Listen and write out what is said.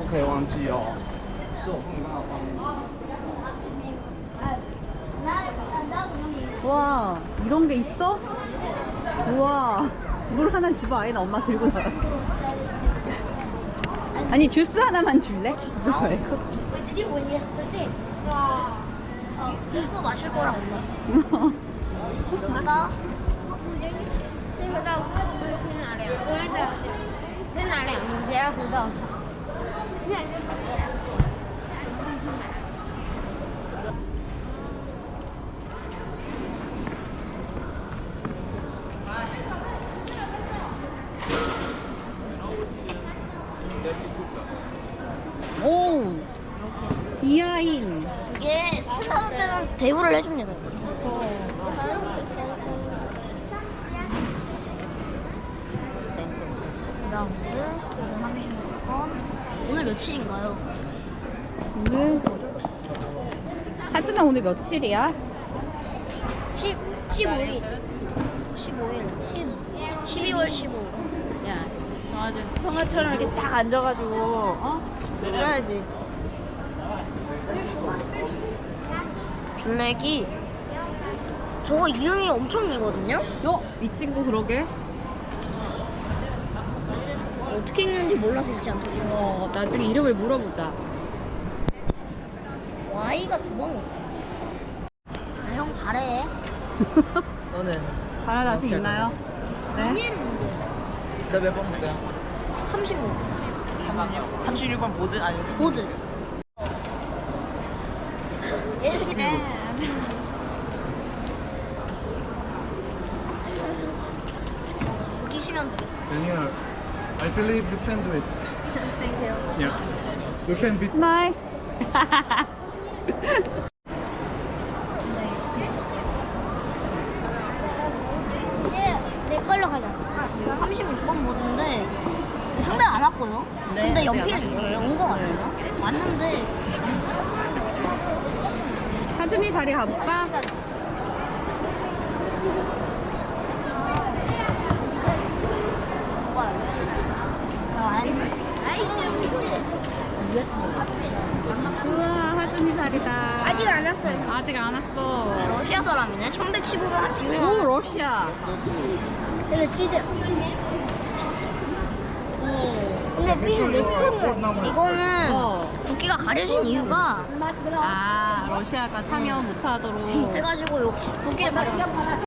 可以忘记哦。这我不能刚好放。 와, 이런 게 있어? 우와, 물 하나 집어 아예 나 엄마 들고 나가. 아니, 주스 하나만 줄래? 주스 말고. Wait, did you win yesterday? 이거 마실 거랑 엄마. 이거? 이거 나天哪两个的，天哪两个直接回到手。 오, 이하인. 이게 스탠다드 때는 대우를 해줍니다. 오늘 며칠인가요? 오늘 하준아 오늘 며칠이야? 15일 12월 15일 야, 정아준 평화처럼 이렇게 딱 앉아가지고 놀아야지. 블랙이 저거 이름이 엄청 길거든요? 이 친구 그러게. 어떻게 읽는지 몰라서 읽지 않도록 했어요. 나중에 이름을 물어보자. Y가 두 번 오네. 형 잘해. 너는 잘할 자신 있나요? 네. 이름인데 너 몇 번 볼 거야? 36 36번 보드 아니면 보드. 이기시면 되겠습니다. Daniel, I believe you can do it. Thank you. Yeah. You can beat. 바이. 내 걸로 가자. 36번 보드인데 상대 안 왔고요. 네, 근데 아직 연필은 안 있어요. 왔어요. 온 거 같아요. 왔는데 하준이 자리 가볼까? 우와, 하준이 자리다. 아직 안 왔어요. 아직 안 왔어. 네, 러시아 사람이네. 1115를 한 오, 비밀. 러시아. 근데 피드. 근데 피드 레스토랑이야. 이거는 국기가 가려진 이유가 아, 러시아가 참여 못하도록. 해가지고 요 국기를 가려놨어.